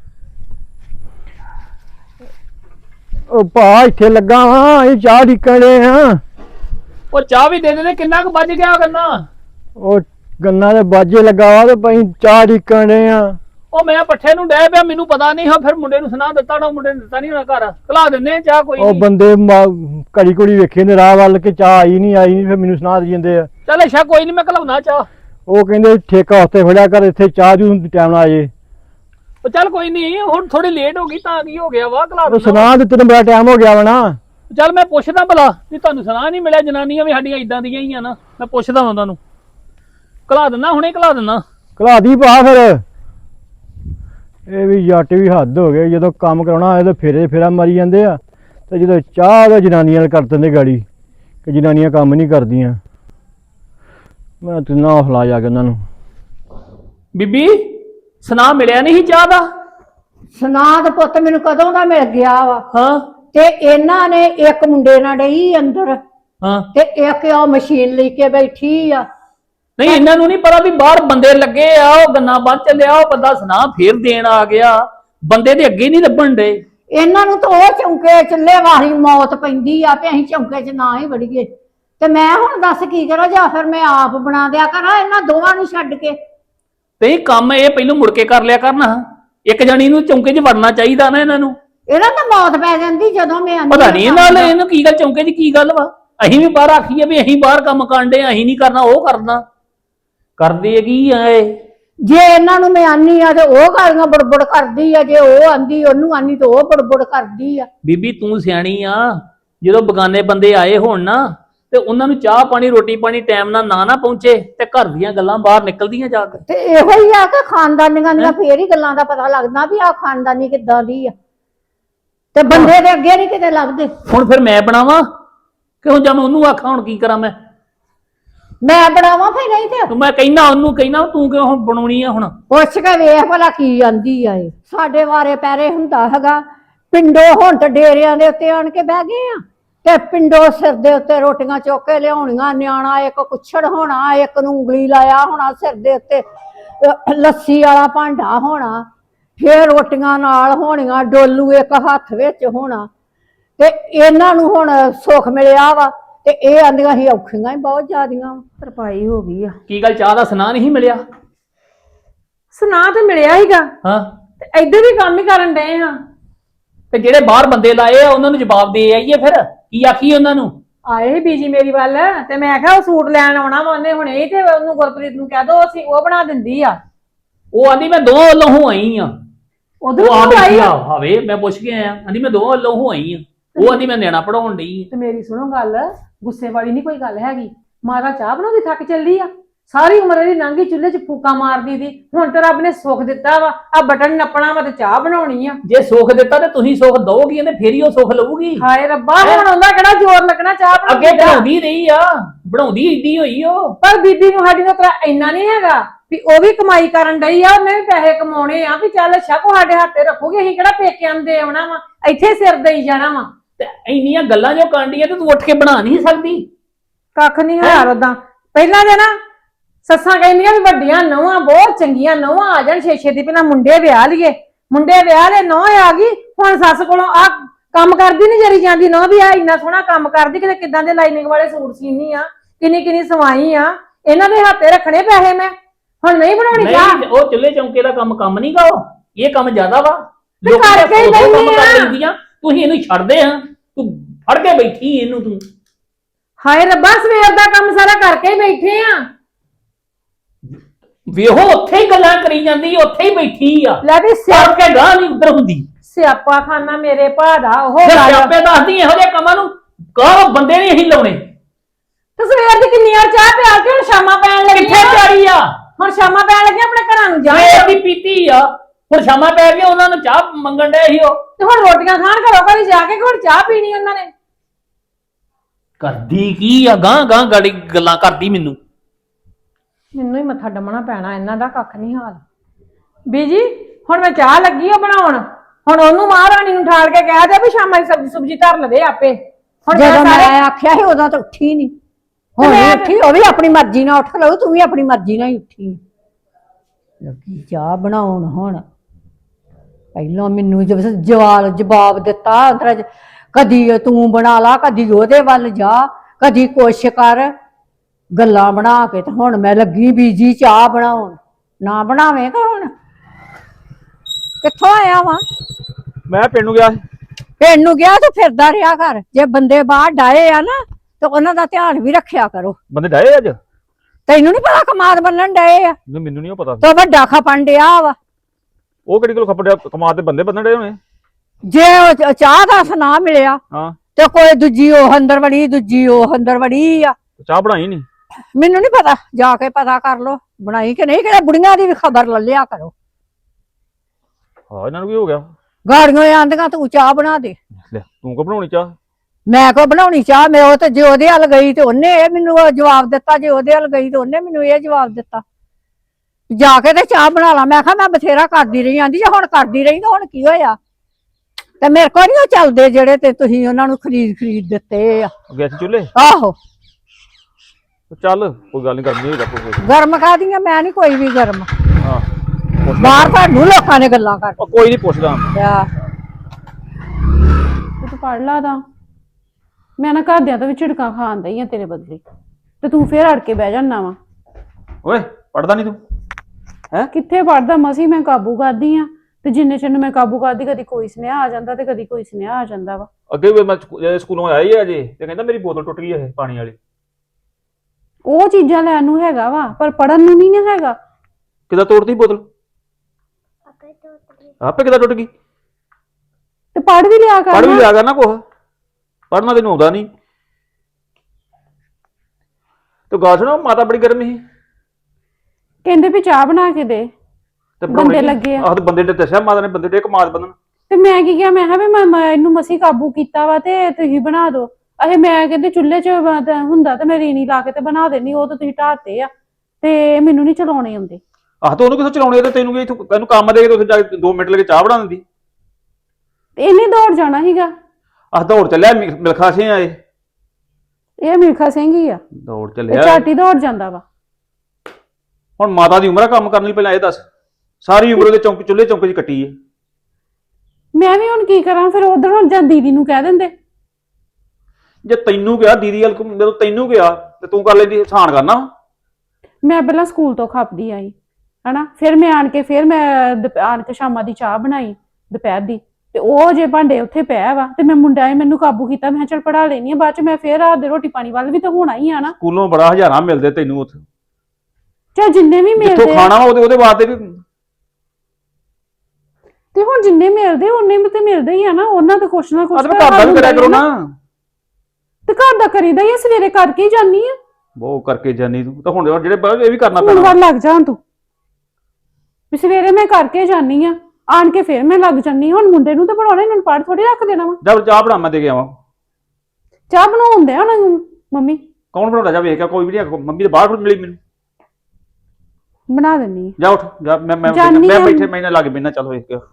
ਉਹ ਭਾ ਇੱਥੇ ਲੱਗਾ ਵਾਂ, ਇਹ ਚਾਹ ਢਿੱਕਣੇ ਆ। ਉਹ ਚਾਹ ਵੀ ਦੇ ਦੇ, ਕਿੰਨਾ ਕੁ ਵੱਜ ਗਿਆ ਗੰਨਾ? ਉਹ ਗੰਨਾ ਦੇ ਬਾਜੇ ਲੱਗਾ ਵਾ ਤੇ ਪਈ ਚਾਹ ਢਿੱਕਣੇ ਆ। ਉਹ ਮੈਂ ਪੱਠੇ ਨੂੰ ਡਹਿ ਪਿਆ, ਮੈਨੂੰ ਪਤਾ ਨਹੀਂ ਹਾਂ, ਫਿਰ ਮੁੰਡੇ ਨੂੰ ਸੁਣਾ ਦਿੱਤਾ ਨਾ, ਮੁੰਡੇ ਨੇ ਦਿੱਤਾ ਨਹੀਂ ਹੋਣਾ ਘਰ। ਖਲਾ ਦਿੰਦੇ ਆ ਚਾਹ, ਕੋਈ ਉਹ ਨਹੀਂ। ਬੰਦੇ ਘੜੀ ਘੜੀ ਵੇਖੇ ਨੇ ਰਾਹ ਵੱਲ ਕਿ ਚਾਹ ਆਈ ਨਹੀਂ ਆਈ ਨਹੀਂ, ਫਿਰ ਮੈਨੂੰ ਸੁਣਾ ਦੇ ਜਾਂਦੇ ਆ। ਚੱਲ ਅੱਛਾ ਕੋਈ ਨਹੀਂ, ਮੈਂ ਘਲਾਉਣਾ ਚਾਹ। ਉਹ ਕਹਿੰਦੇ ਠੇਕਾ ਉੱਤੇ ਫੜਿਆ ਕਰ, ਇੱਥੇ ਚਾਹ ਜੂ ਟਾਈਮ ਨਾਲ ਆ ਜੇ। ਉਹ ਚੱਲ ਕੋਈ ਨਹੀਂ, ਹੁਣ ਥੋੜੀ ਲੇਟ ਹੋ ਗਈ ਤਾਂ ਕੀ ਹੋ ਗਿਆ ਵਾ, ਘਲਾ ਉਹ ਦਿੰਦਾ। ਸੁਣਾ ਦਿੱਤੇ ਨੂੰ ਬੜਾ ਟਾਈਮ ਹੋ ਗਿਆ ਵਾ ਨਾ। ਚੱਲ ਮੈਂ ਪੁੱਛਦਾ ਭਲਾ ਵੀ ਤੁਹਾਨੂੰ ਸੁਣਾ ਨਹੀਂ ਮਿਲਿਆ, ਜਨਾਨੀਆਂ ਵੀ ਸਾਡੀਆਂ ਇਦਾਂ ਦੀਆਂ ਹੀ ਆ ਨਾ, ਮੈਂ ਪੁੱਛਦਾ ਉਹਨਾਂ ਨੂੰ। ਘਲਾ ਦਿੰਦਾ, ਹੁਣੇ ਘਲਾ ਦਿੰਦਾ। ਘਲਾ ਦੀ ਭਾ ਫਿਰ। ਇਹ ਵੀ ਜੱਟ ਵੀ ਹੱਦ ਹੋ ਗਏ, ਜਦੋਂ ਕੰਮ ਕਰਾਉਣਾ ਹੋਏ ਤਾਂ ਫੇਰੇ ਫੇਰਾ ਮਾਰੀ ਜਾਂਦੇ ਆ, ਤੇ ਜਦੋਂ ਚਾਹ ਦਾ ਜਨਾਨੀਆਂ ਕਰ ਦਿੰਦੇ ਗਾੜੀ ਕਿ ਜਨਾਨੀਆਂ ਕੰਮ ਨਹੀਂ ਕਰਦੀਆਂ। ਮੈਂ ਤੇ ਨਾ ਹਲਾ ਜਾ ਕੇ ਉਹਨਾਂ ਨੂੰ। ਬੀਬੀ ਸੁਣਾ ਮਿਲਿਆ ਨਹੀਂ ਚਾਹ ਦਾ? ਸੁਣਾ ਤੇ ਪੁੱਤ ਮੈਨੂੰ ਕਦੋਂ ਦਾ ਮਿਲ ਗਿਆ ਵਾ। ਹਾਂ ਤੇ ਇਹਨਾਂ ਨੇ ਇੱਕ ਮੁੰਡੇ ਨਾਲ ਡਈ ਅੰਦਰ, ਹਾਂ। ਤੇ ਇੱਕ ਉਹ ਮਸ਼ੀਨ ਲੈ ਕੇ ਬੈਠੀ ਆ। ਨਹੀਂ ਇਹਨਾਂ ਨੂੰ ਨਹੀਂ ਪਤਾ ਵੀ ਬਾਹਰ ਬੰਦੇ ਲੱਗੇ ਆ, ਉਹ ਗੰਨਾ ਬੰਦ ਚੱਲਿਆ, ਉਹ ਬੰਦਾ ਸੁਣਾ ਫੇਰ ਦੇਣ ਆ ਗਿਆ, ਬੰਦੇ ਦੇ ਅੱਗੇ ਨਹੀਂ ਲੱਭਣ ਡੇ। ਇਹਨਾਂ ਨੂੰ ਤਾਂ ਉਹ ਚੌਂਕੇ ਚੱਲੇ ਵਾਰੀ ਮੌਤ ਪੈਂਦੀ ਆ ਤੇ ਅਸੀਂ ਚੌਂਕੇ 'ਚ ਨਾ ਹੀ ਵੜੀਏ। ਤੇ ਮੈਂ ਹੁਣ ਦੱਸ ਕੀ ਕਰਾਂ, ਜਾਂ ਫਿਰ ਮੈਂ ਆਪ ਬਣਾ ਦਿਆ ਕਰਾਂ ਇਹਨਾਂ ਦੋਵਾਂ ਨੂੰ ਛੱਡ ਕੇ। ਤੇ ਕੰਮ ਇਹ ਪਹਿਲੋਂ ਮੁੜ ਕੇ ਕਰ ਲਿਆ ਕਰਨਾ, ਇੱਕ ਜਣੀ ਨੂੰ ਚੌਂਕੇ 'ਚ ਵੜਨਾ ਚਾਹੀਦਾ ਨਾ ਇਹਨਾਂ ਨੂੰ। ਇਹਨਾਂ ਤਾਂ ਮੌਤ ਪੈ ਜਾਂਦੀ ਜਦੋਂ ਮੈਂ ਆਂਦੀ ਪਤਾ ਨਹੀਂ ਨਾਲ ਇਹਨੂੰ ਕੀ ਗੱਲ, ਚੌਂਕੇ 'ਚ ਕੀ ਗੱਲ ਵਾ? ਅਸੀਂ ਵੀ ਬਾਹਰ ਆਖੀਏ ਵੀ ਅਸੀਂ ਬਾਹਰ ਕੰਮ ਕਾਂਡੇ, ਅਸੀਂ ਨਹੀਂ ਕਰਨਾ, ਉਹ ਕਰਨਾ ਕਰਦੇ ਕੀ ਆ ਇਹ। ਜੇ ਇਹਨਾਂ ਨੂੰ ਮੈਂ ਆਨੀ ਆ ਤੇ ਉਹ ਗਾਲੀਆਂ ਬੜਬੜ ਕਰਦੀ ਆ, ਜੇ ਉਹ ਆਂਦੀ ਉਹਨੂੰ ਆਨੀ ਤੇ ਉਹ ਬੜਬੜ ਕਰਦੀ ਆ। ਬੀਬੀ ਤੂੰ ਸਿਆਣੀ ਆ, ਜਦੋਂ ਬਗਾਨੇ ਬੰਦੇ ਆਏ ਹੋਣ ਨਾ ਤੇ ਉਹਨਾਂ ਨੂੰ ਚਾਹ ਪਾਣੀ ਰੋਟੀ ਪਾਣੀ ਟਾਈਮ ਨਾਲ ਨਾ ਨਾ ਪਹੁੰਚੇ ਤੇ ਘਰ ਦੀਆਂ ਗੱਲਾਂ ਬਾਹਰ ਨਿਕਲਦੀਆਂ ਜਾ ਕੇ। ਤੇ ਇਹੋ ਹੀ ਆ ਕਿ ਖਾਨਦਾਨੀਆਂ ਦੀਆਂ ਫੇਰ ਹੀ ਗੱਲਾਂ ਦਾ ਪਤਾ ਲੱਗਦਾ ਵੀ ਆਹ ਖਾਨਦਾਨੀ ਕਿੱਦਾਂ ਦੀ ਆ, ਤੇ ਬੰਦੇ ਦੇ ਅੱਗੇ ਨਹੀਂ ਕਿਤੇ ਲੱਭਦੇ। ਹੁਣ ਫਿਰ ਮੈਂ ਬਣਾਵਾਂ ਕਿਉਂ, ਜਾਂ ਮੈਂ ਉਹਨੂੰ ਆਖਾਂ ਹੁਣ ਕੀ ਕਰਾਂ ਮੈਂ? ਮੈਂ ਬਣਾਵਾਂ ਫੇਰ ਨਹੀਂ ਤੇ ਤੂੰ ਮੈਂ ਕਹਿਣਾ ਉਹਨੂੰ ਕਹਿਣਾ, ਤੂੰ ਕਿਉਂ ਹੁਣ ਬਣਾਉਣੀ ਆ? ਹੁਣ ਪੁੱਛ ਕੇ ਵੇਖ ਭਲਾ ਕੀ ਆਂਦੀ ਆ ਇਹ। ਸਾਡੇ ਵਾਰੇ ਪੈਰੇ ਹੁੰਦਾ ਹੈਗਾ, ਪਿੰਡੋਂ ਹੁਣ ਤੇ ਡੇਰਿਆਂ ਦੇ ਉੱਤੇ ਆਣ ਕੇ ਬਹਿ ਗਏ ਆ, ਤੇ ਪਿੰਡੋਂ ਸਿਰ ਦੇ ਉੱਤੇ ਰੋਟੀਆਂ ਚੁੱਕ ਕੇ ਲਿਆਉਣੀਆਂ, ਨਿਆਣਾ ਇੱਕ ਕੁੱਛੜ ਹੋਣਾ, ਇੱਕ ਨੂੰ ਉਂਗਲੀ ਲਾਇਆ ਹੋਣਾ ਸਿਰ ਦੇ ਉੱਤੇ, ਅਹ ਲੱਸੀ ਵਾਲਾ ਭਾਂਡਾ ਹੋਣਾ, ਫੇਰ ਰੋਟੀਆਂ ਨਾਲ ਹੋਣੀਆਂ, ਡੋਲੂ ਇੱਕ ਹੱਥ ਵਿੱਚ ਹੋਣਾ। ਤੇ ਇਹਨਾਂ ਨੂੰ ਹੁਣ ਸੁੱਖ ਮਿਲਿਆ ਵਾ ਤੇ ਇਹ ਆਂਦੀਆਂ ਸੀ ਔਖੀਆਂ ਹੀ ਬਹੁਤ ਜ਼ਿਆਦੀਆਂ। ਤਰਪਾਈ ਹੋ ਗਈ ਆ। ਕੀ ਗੱਲ, ਚਾਹ ਦਾ ਸੁਨਾ ਨਹੀਂ ਮਿਲਿਆ? ਸੁਣਾ ਤੇ ਮਿਲਿਆ ਹੀਗਾ, ਹਾਂ ਤੇ ਇੱਧਰ ਵੀ ਕੰਮ ਹੀ ਕਰਨ ਡਏ ਹਾਂ। ਤੇ ਜਿਹੜੇ ਬਾਹਰ ਬੰਦੇ ਲਾਏ ਆ ਉਹਨਾਂ ਨੂੰ ਜਵਾਬ ਦੇ ਆਈਏ, ਫਿਰ ਕੀ ਆਖੀ ਉਹਨਾਂ ਨੂੰ? ਆਏ ਸੀ ਬੀਜੀ ਮੇਰੀ ਵੱਲ, ਤੇ ਮੈਂ ਕਿਹਾ ਉਹ ਸੂਟ ਲੈਣ ਆਉਣਾ ਵਾ ਉਹਨੇ ਹੁਣੇ ਹੀ, ਤੇ ਉਹਨੂੰ ਗੁਰਪ੍ਰੀਤ ਨੂੰ ਕਹਿ ਦੋ ਅਸੀਂ ਉਹ ਬਣਾ ਦਿੰਦੀ ਆ। ਉਹ ਆਂਦੀ ਮੈਂ ਦੋਵਾਂ ਵੱਲੋਂ ਹੋ ਆਈ ਆ। ਉਧਰ ਉਹ ਆ ਆਈ ਬੈਠੀ ਆ। ਆ ਹਾਵੇ, ਮੈਂ ਪੁੱਛ ਕੇ ਆਇਆ, ਆਂਦੀ ਮੈਂ ਦੋਵਾਂ ਵੱਲੋਂ ਹੋ ਆਈ ਆ। ਉਹ ਆਂਦੀ ਮੈਂ ਨਿਆਣਾ ਪੜਾਉਣ ਡਈ ਆ। ਤੇ ਮੇਰੀ ਸੁਣੋ ਗੱਲ, ਗੁੱਸੇ ਵਾਲੀ ਨਹੀਂ ਕੋਈ ਗੱਲ ਹੈਗੀ। ਮਾਤਾ ਚਾਹ ਬਣਾਉਂਦੀ ਥੱਕ ਚੱਲੀ ਆ, ਸਾਰੀ ਉਮਰ ਇਹਦੀ ਲੰਘੀ ਚੁੱਲ੍ਹੇ 'ਚ ਫੂਕਾ ਮਾਰਦੀ ਦੀ, ਹੁਣ ਤੇ ਰੱਬ ਨੇ ਸੁੱਖ ਦਿੱਤਾ ਵਾ, ਆ ਬਟਨ ਨੱਪਣਾ ਵਾ ਤੇ ਚਾਹ ਬਣਾਉਣੀ ਆ। ਜੇ ਸੁੱਖ ਦਿੱਤਾ ਤੇ ਤੁਸੀਂ ਸੁੱਖ ਦਓਗੀ ਤੇ ਫੇਰ ਹੀ ਉਹ ਸੁੱਖ ਲਊਗੀ। ਹਾਏ ਰੱਬਾ, ਹੁਣ ਆਉਂਦਾ ਕਿਹੜਾ ਜ਼ੋਰ ਲੱਗਣਾ ਚਾਹ ਅੱਗੇ ਬਣਾਉਣ ਦਾ। ਬਣਾਉਂਦੀ ਰਹੀ ਆ, ਬਣਾਉਂਦੀ ਏਡੀ ਹੋਈ ਉਹ। ਪਰ ਬੀਬੀ ਨੂੰ ਸਾਡੀ ਦਾ ਤਰਾ ਇੰਨਾ ਨਹੀਂ ਹੈਗਾ ਵੀ ਉਹ ਵੀ ਕਮਾਈ ਕਰਨ ਡਈ ਆ, ਉਹਨੇ ਵੀ ਪੈਸੇ ਕਮਾਉਣੇ ਆ, ਵੀ ਚੱਲ ਅੱਛਾ ਕੋ ਸਾਡੇ ਹੱਥੇ ਰੱਖੋਗੇ, ਅਸੀਂ ਕਿਹੜਾ ਪੇਕਿਆਂ ਨੂੰ ਦੇ ਆਉਣਾ ਵਾ, ਇੱਥੇ ਸਿਰ ਦੇਈ ਜਾਣਾ ਵਾ। ਤੇ ਇੰਨੀਆਂ ਗੱਲਾਂ ਜੋ ਕਾਂਡੀਆਂ ਤੇ ਤੂੰ ਉੱਠ ਕੇ ਬਣਾ ਨਹੀਂ ਸਕਦੀ? ਕੱਖ ਨਹੀਂ ਹੋਇਆ ਉਦਾਂ। ਪਹਿਲਾਂ ਦੇ ਨਾ ਸੱਸਾਂ ਕਹਿੰਦੀਆਂ ਵੀ ਵੱਡੀਆਂ ਨਹੁੰਆਂ ਬਹੁਤ ਚੰਗੀਆਂ, ਨਹੁੰਆਂ ਆ ਜਾਣ ਛੇ ਛੇ ਦੀ, ਪਹਿਲਾਂ ਮੁੰਡੇ ਵਿਆਹ ਲਈਏ, ਮੁੰਡੇ ਵਿਆਹ ਲੈ ਨਹੁੰ ਆ ਗਈ, ਹੁਣ ਸੱਸ ਕੋਲੋਂ ਆ ਕੰਮ ਕਰਦੀ ਨਹੀਂ ਜਰੀ ਜਾਂਦੀ ਨਹੁੰ ਵੀ ਆ ਇੰਨਾ ਸੋਹਣਾ ਕੰਮ ਕਰਦੀ, ਕਿਤੇ ਕਿਦਾਂ ਦੇ ਲਾਈਨਿੰਗ ਵਾਲੇ ਸੂਟ ਸੀਨੀ ਆ, ਕਿੰਨੀ ਕਿੰਨੀ ਸਵਾਈ ਆ, ਇਹਨਾਂ ਦੇ ਹੱਥੇ ਰੱਖਣੇ ਪੈਸੇ ਮੈਂ, ਹੁਣ ਨਹੀਂ ਬਣਾਉਣੀ ਚਾਹ। ਨਹੀਂ, ਉਹ ਚੁੱਲ੍ਹੇ ਚੌਂਕੇ ਦਾ ਕੰਮ ਕੰਮ ਨਹੀਂ ਗਾ, ਉਹ ਇਹ ਕੰਮ ਜ਼ਿਆਦਾ ਵਾ। ਤੇ ਕਰਕੇ ਹੀ ਕੰਮ ਬੈਠੀ ਕਰ ਆ। ਲੈਂਦੀਆਂ, ਤੁਸੀਂ ਇਹਨੂੰ ਛੱਡਦੇ ਆ, ਤੂੰ ਫੜ ਕੇ ਬੈਠੀ ਇਹਨੂੰ ਤੂੰ। ਹਾਏ ਰੱਬਾ, ਸਵੇਰ ਦਾ ਕੰਮ ਸਾਰਾ ਕਰਕੇ ਹੀ ਬੈਠੇ ਆ। ਵੇਹੋ ਉੱਥੇ ਹੀ ਗੱਲਾਂ ਕਰੀ ਜਾਂਦੀ, ਉੱਥੇ ਹੀ ਬੈਠੀ ਆ, ਲੈ ਵੀ ਸਿਆਪ ਕੇ ਗਾਹ ਨਹੀਂ ਉਧਰ ਹੁੰਦੀ। ਸਿਆਪਾ ਖਾਨਾ ਮੇਰੇ ਭਾ ਦਾ ਉਹ ਫਿਰ ਗੱਲ। ਸਿਆਪੇ ਦੱਸਦੀ ਇਹੋ ਜਿਹੇ ਕੰਮਾਂ ਨੂੰ ਕਹੋ ਬੰਦੇ ਨਹੀਂ ਅਸੀਂ ਲਾਉਣੇ। ਤੇ ਸਵੇਰ ਦੀ ਕਿੰਨੀ ਵਾਰ ਚਾਹ ਪਿਆ ਕੇ ਹੁਣ ਸ਼ਾਮਾਂ ਪੈਣ ਲੱਗੀ ਕਿੱਥੇ ਤਿਆਰੀ ਆ? ਹੁਣ ਸ਼ਾਮਾਂ ਪੈਣ ਲੱਗੀਆਂ, ਆਪਣੇ ਘਰਾਂ ਨੂੰ ਜਾ। ਸਵੇਰ ਦੀ ਪੀਤੀ ਆ, ਹੁਣ ਸ਼ਾਮਾਂ ਪੈ ਗਈਆਂ ਉਹਨਾਂ ਨੂੰ ਚਾਹ ਮੰਗਣ ਡਿਆ ਸੀ ਉਹ। ਤੇ ਹੁਣ ਰੋਟੀਆਂ ਖਾਣ ਘਰੋਂ ਘਰੀ ਜਾ ਕੇ ਕਿ ਹੁਣ ਚਾਹ ਪੀਣੀ ਉਹਨਾਂ ਨੇ। ਕਰਦੀ ਕੀ ਆ ਗਾਂ ਗਾਂ ਗਾੜੀ ਗੱਲਾਂ ਕਰਦੀ ਮੈਨੂੰ। ਮੈਨੂੰ ਹੀ ਮੱਥਾ ਡੰਮਣਾ ਪੈਣਾ ਇਹਨਾਂ ਦਾ, ਕੱਖ ਨਹੀਂ ਹਾਲ। ਬੀਜੀ ਹੁਣ ਮੈਂ ਚਾਹ ਲੱਗੀ ਉਹ ਬਣਾਉਣ, ਹੁਣ ਉਹਨੂੰ ਮਹਾਰਾਣੀ ਨੂੰ ਠਾਲ ਕੇ ਕਹਿ ਦੇ ਵੀ ਸ਼ਾਮਾਂ ਦੀ ਸਬਜ਼ੀ ਸੁਬਜੀ ਧਰ ਲਵੇ ਆਪੇ। ਹੁਣ ਜਦੋਂ ਸਾਰੇ ਮੈਂ ਆਖਿਆ ਸੀ ਉਦੋਂ ਤਾਂ ਉੱਠੀ ਨਹੀਂ, ਹੁਣ ਮੈਂ- ਉੱਠੀ, ਉਹ ਵੀ ਆਪਣੀ ਮਰਜ਼ੀ ਨਾਲ ਉੱਠ ਲਊ, ਤੂੰ ਵੀ ਆਪਣੀ ਮਰਜ਼ੀ ਨਾਲ ਹੀ ਉੱਠੀ। ਲੱਗੀ ਚਾਹ ਬਣਾਉਣ ਹੁਣ। ਪਹਿਲਾਂ ਮੈਨੂੰ ਜਦ ਜਵਾਲ ਜਵਾਬ ਦਿੱਤਾ ਅੰਦਰ, ਕਦੀ ਤੂੰ ਬਣਾ ਲਾ, ਕਦੀ ਉਹਦੇ ਵੱਲ ਜਾ, ਕਦੀ ਕੁਛ ਕਰ, ਗੱਲਾਂ ਬਣਾ ਕੇ। ਤੇ ਹੁਣ ਮੈਂ ਲੱਗੀ ਬੀਜੀ ਚਾਹ ਬਣਾਉਣ। ਨਾ ਬਣਾਵੇਂਗਾ ਹੁਣ? ਕਿੱਥੋਂ ਆਇਆ ਵਾ? ਮੈਂ ਪਿੰਡ ਨੂੰ ਗਿਆ ਸੀ। ਪਿੰਡ ਨੂੰ ਗਿਆ ਤੇ ਫਿਰਦਾ ਰਿਹਾ ਕਰ। ਜੇ ਬੰਦੇ ਬਾਹਰ ਡਾਏ ਆ ਨਾ ਤੇ ਉਹਨਾਂ ਦਾ ਧਿਆਨ ਵੀ ਰੱਖਿਆ ਕਰੋ। ਬੰਦੇ ਡਾਏ ਅੱਜ? ਤੈਨੂੰ ਨਹੀਂ ਪਤਾ ਕਮਾਦ ਬੰਨਣ ਡਏ ਆ? ਨਹੀਂ, ਮੈਨੂੰ ਨਹੀਂ ਪਤਾ। ਤੇ ਵੱਡਾ ਖਪਣ ਡਿਆ ਵਾ। ਉਹ ਕਿਹੜੀ ਕੋਲ ਖੱਪੜਿਆ ਕਮਾਦ ਦੇ ਬੰਦੇ ਬੰਨਣ ਡਏ ਹੋਣੇ। ਜੇ ਉਹ ਚ- ਚਾਹ ਦਾ ਸੁਨਾ ਮਿਲਿਆ ਹਾਂ, ਤੇ ਕੋਈ ਦੂਜੀ ਉਹ ਅੰਦਰ ਵੜੀ, ਦੂਜੀ ਉਹ ਅੰਦਰ ਵੜੀ ਆ। ਚਾਹ ਬਣਾਈ ਨਹੀਂ? ਮੈਨੂੰ ਨਹੀਂ ਪਤਾ, ਜਾ ਕੇ ਪਤਾ ਕਰ ਲੋ ਬਣਾਈ ਕਿ ਨਹੀਂ। ਕਿਹੜੇ ਬੁੜੀਆਂ ਦੀ ਵੀ ਖਬਰ ਲੈ ਲਿਆ ਕਰੋ। ਹਾਂ, ਇਹਨਾਂ ਨੂੰ ਕੀ ਹੋ ਗਿਆ? ਗਾੜੀਆਂ ਆਂਦੀਆਂ ਤੂੰ ਚਾਹ ਬਣਾ ਦੇ। ਲੈ, ਤੂੰ ਕੋ ਬਣਾਉਣੀ ਚਾਹ? ਮੈਂ ਕੋ ਬਣਾਉਣੀ ਚਾਹ? ਮੈਂ ਉਹ ਤੇ ਜੇ ਉਹਦੇ ਹੱਲ ਗਈ ਤੇ ਉਹਨੇ ਇਹ ਮੈਨੂੰ ਉਹ ਜਵਾਬ ਦਿੱਤਾ, ਜੇ ਉਹਦੇ ਹੱਲ ਗਈ ਤੇ ਉਹਨੇ ਮੈਨੂੰ ਇਹ ਜਵਾਬ ਦਿੱਤਾ। ਜਾ ਕੇ ਤੇ ਚਾਹ ਬਣਾ ਲਾ। ਮੈਂ ਕਿਹਾ ਮੈਂ ਬਥੇਰਾ ਕਰਦੀ ਰਹੀ। ਆਂਦੀ ਜੇ ਹੁਣ ਕਰਦੀ ਰਹੀ ਤਾਂ ਹੁਣ ਕੀ ਹੋਇਆ? ਤੇ ਮੇਰੇ ਕੋਲ ਨਹੀਂ ਉਹ ਚੱਲਦੇ ਜਿਹੜੇ ਤੇ ਤੁਸੀਂ ਉਹਨਾਂ ਨੂੰ ਖਰੀਦ ਖਰੀਦ ਦਿੱਤੇ ਆ। ਗੈਸ ਚੁੱਲੇ? ਆਹੋ, ਚੱਲ ਕੋਈ ਗੱਲ ਨਹੀਂ, ਕਰਨੀ ਹੋਈ ਰੱਖੋ। ਗਰਮ ਖਾਦੀਆਂ ਮੈਂ ਨਹੀਂ ਕੋਈ ਵੀ ਗਰਮ। ਹਾਂ, ਬਾਹਰ ਤੁਹਾਨੂੰ ਲੋਕਾਂ ਨੇ ਗੱਲਾਂ ਕਰ ਉਹ ਕੋਈ ਨਹੀਂ ਪੁੱਛਦਾ। ਲਿਆ। ਤੂੰ ਪੜ ਲਾ ਦਾ, ਮੈਂ ਨਾ ਘਰਦਿਆਂ ਤੋਂ ਵੀ ਝਿੜਕਾਂ ਖਾਣ ਦਈ ਆ ਤੇਰੇ ਬਦਲੇ, ਤੇ ਤੂੰ ਫੇਰ ਅੜ ਕੇ ਬਹਿ ਜਾਨਾ ਵਾ। ਓਏ ਪੜਦਾ ਨਹੀਂ ਤੂੰ? ਹੈ ਕਿੱਥੇ ਪੜਦਾ? ਮਸੀ ਮੈਂ ਕਾਬੂ ਕਰਦੀ ਆ, ਤੇ ਜਿੰਨੇ ਚਿਰ ਨੂੰ ਮੈਂ ਕਾਬੂ ਕਰਦੀ ਕਦੀ ਕੋਈ ਸੁਨੇਹਾ ਆ ਜਾਂਦਾ ਤੇ ਕਦੀ ਕੋਈ ਸੁਨੇਹਾ ਆ ਜਾਂਦਾ ਵਾ। ਅੱਗੇ ਵੀ ਮੈਂ ਸਕੂ- ਜਦੋਂ ਸਕੂਲੋਂ ਆਇਆ ਹੀ ਅਜੇ ਤੇ ਕਹਿੰਦਾ ਮੇਰੀ ਬੋਤਲ ਟੁੱਟ ਗਈ ਇਹ ਪਾਣੀ ਵਾਲੀ। ਉਹ ਚੀਜ਼ਾਂ ਲੈਣ ਨੂੰ ਹੈਗਾ ਵਾ, ਪਰ ਪੜਨ ਨੂੰ ਨਹੀਂ ਨਾ ਹੈਗਾ। ਕਿੱਦਾਂ ਤੋੜਦੀ ਬੋਤਲ? ਆਪੇ ਕਿੱਦਾਂ ਟੁੱਟ ਗਈ? ਤੇ ਪੜ ਵੀ ਲਿਆ ਕਰ ਪੜ ਵੀ ਨਾ। ਲਿਆ ਕਰ ਨਾ ਕੁਛ, ਪੜਨਾ ਤੈਨੂੰ ਆਉਂਦਾ ਨਹੀਂ। ਤੂੰ ਗੱਲ ਸੁਣੋ, ਮਾਤਾ ਬੜੀ ਗਰਮ ਸੀ। ਕਹਿੰਦੇ ਵੀ ਚਾਹ ਬਣਾ ਕੇ ਦੇ, ਤੇ ਬੰਦੇ ਲੱਗੇ ਆ। ਆਹ ਤੇ ਬੰਦੇ ਨੇ ਦੱਸਿਆ ਮਾਤਾ ਨੇ ਬੰਦੇ ਦੇ ਕਮਾਦ ਬੰਨਣ। ਤੇ ਮੈਂ ਕੀ ਕਿਹਾ, ਮੈਂ ਕਿਹਾ ਵੀ ਮੈਂ ਮੈਂ ਇਹਨੂੰ ਮਸੀ ਕਾਬੂ ਕੀਤਾ ਵਾ ਤੇ ਤੁਸੀਂ ਬਣਾ ਦਿਓ। ਅਹੇ ਮੈਂ ਕਹਿੰਦੇ ਚੁੱਲ੍ਹੇ 'ਚ ਬ- ਹੁੰਦਾ ਤੇ ਮੈਂ ਰੀਣੀ ਲਾ ਕੇ ਤੇ ਬਣਾ ਦੇਣੀ, ਉਹ ਤਾਂ ਤੁਸੀਂ ਢਾਹਤੇ ਆ ਤੇ ਮੈਨੂੰ ਨਹੀਂ ਚਲਾਉਣੇ ਆਉਂਦੇ। ਆਹ ਤੇ ਉਹਨੂੰ ਕਿਥੋਂ ਚਲਾਉਣੇ? ਤੇ ਤੈਨੂੰ ਕੀ ਇੱਥੋਂ ਤੈਨੂੰ ਕੰਮ ਦੇ ਕੇ ਤੇ ਉੱਥੇ ਜਾ ਕੇ ਦੋ ਮਿੰਟ ਲੱਗੇ ਚਾਹ ਬਣਾ ਦਿੰਦੀ। ਤੇ ਇਹਨੇ ਦੌੜ ਜਾਣਾ ਸੀਗਾ। ਆਹ ਦੌੜ ਚੱਲਿਆ, ਮਿ- ਮਿਲਖਾ ਸੇ ਆਏ। ਇਹ ਮਿਲਖਾ ਸਿੰਘ ਹੀ ਆ, ਦੌੜ ਇਹ ਚੱਲਿਆ। ਝਾਟੀ ਦੌੜ ਜਾਂਦਾ ਵਾ। ਹੁਣ ਮਾਤਾ ਦੀ ਉਮਰ ਆ ਕੰਮ ਕਰਨ ਲਈ, ਪਹਿਲਾਂ ਇਹ ਦੱਸ। ਸਾਰੀ ਉਮਰ ਉਹਦੇ ਚੌਂਕ ਚੁੱਲ੍ਹੇ ਚੌਂਕੇ 'ਚ ਕੱਟੀ ਹੈ। ਮੈਂ ਵੀ ਹੁਣ ਕੀ ਕਰਾਂ ਫਿਰ? ਉਧਰ ਹੁਣ ਜਾਂ ਦੀਦੀ ਨੂੰ ਕਹਿ ਦਿੰਦੇ। ਜੇ ਤੈਨੂੰ ਕਿਹਾ ਦੀਦੀ ਵੱਲ, ਜਦੋਂ ਤੈਨੂੰ ਕਿਹਾ ਤੇ ਤੂੰ ਕਰ ਲੈਂਦੀ, ਆਸਾਨ ਕਰਨਾ। ਮੈਂ ਪਹਿਲਾਂ ਸਕੂਲ ਤੋਂ ਖੱਪਦੀ ਆਈ ਹਨਾ, ਫਿਰ ਮੈਂ ਆਣ ਕੇ ਫਿਰ ਮੈਂ ਦੁਪ- ਆਣ ਕੇ ਸ਼ਾਮਾਂ ਦੀ ਚਾਹ ਬਣਾਈ ਦੁਪਹਿਰ ਦੀ, ਤੇ ਉਹ ਜੇ ਭਾਂਡੇ ਉੱਥੇ ਪਿਆ ਵਾ ਤੇ ਮੈਂ ਮੁੰਡਾ ਹੀ ਮੈਨੂੰ ਕਾਬੂ ਕੀਤਾ। ਮੈਂ ਚੱਲ ਪੜਾ ਲੈਣੀ ਆ, ਬਾਅਦ ਚ ਮੈਂ ਫਿਰ ਰਾਤ ਦੇ ਰੋਟੀ ਪਾਣੀ ਵੱਲ ਵੀ ਤਾਂ ਹੋਣਾ ਹੀ ਆ ਨਾ। ਸਕੂਲੋਂ ਬੜਾ ਹਜ਼ਾਰਾਂ ਮਿਲਦੇ ਤੈਨੂੰ ਉੱਥੇ, ਚਾਹੇ ਜਿੰਨੇ ਵੀ ਜਿੱਥੋਂ ਮਿਲਦੇ ਆ, ਖਾਣਾ ਵਾ ਉਹਦੇ ਉਹਦੇ ਵਾਸਤੇ ਵੀ। ਤੇ ਹੁਣ ਜਿੰਨੇ ਮਿਲਦੇ ਉਹਨੇ ਵੀ ਤੇ ਮਿਲਦੇ ਹੀ ਆ ਨਾ, ਉਹਨਾਂ ਤੇ ਕੁਛ ਨਾ ਕੁਛ ਅੱਜ ਮੈਂ ਘਰ ਦਾ ਵੀ ਕਰਿਆ ਕਰੋ ਨਾ। ਤੇ ਘਰ ਦਾ ਕਰੀਦਾ ਹੀ ਆ, ਸਵੇਰੇ ਕਰਕੇ ਹੀ ਜਾਨੀ ਆ। ਬਹੁਤ ਕਰਕੇ ਜਾਨੀ ਤੂੰ ਤਾਂ। ਹੁਣ ਜਿਹੜੇ ਬਾਅਦ ਇਹ ਵੀ ਕਰਨਾ ਹੁਣ ਪੈਣਾ। ਵੱਲ ਲੱਗ ਜਾ ਤੂੰ ਵੀ ਸਵੇਰੇ ਮੈਂ ਕਰਕੇ ਜਾਨੀ ਆ, ਆਣ ਕੇ ਫਿਰ ਮੈਂ ਲੱਗ ਜਾਨੀ। ਹੁਣ ਮੁੰਡੇ ਨੂੰ ਤਾਂ ਪੜਾਉਣਾ, ਇਹਨਾਂ ਨੂੰ ਪੜ੍ਹ ਥੋੜੀ ਰੱਖ ਦੇਣਾ ਵਾ। ਜਦ ਚਾਹ ਬਣਾ ਮੈਂ ਦੇ ਕੇ ਆਵਾਂ। ਚਾਹ ਬਣਾਉਂਦੇ ਆ ਹੁਣ ਮੰਮੀ, ਕੌਣ ਬਣਾਉਂਦਾ? ਜਾ ਵੇਖ ਕੇ, ਕੋਈ ਵੀ ਨਹੀਂ। ਮੰਮੀ ਦੇ ਬਾਹਰ ਮਿਲੀ ਮੈਨੂੰ। ਬਣਾ ਦਿੰਨੀ ਆ। ਜਾ ਉੱਠ ਜਾ, ਮੈਂ ਮੈਂ ਜਾਨੀ ਮੈਂ ਆ। ਬੈਠੇ ਮੈਂ ਲੱਗ ਪੈਣਾ। ਚੱਲ ਵੇਖ ਕੇ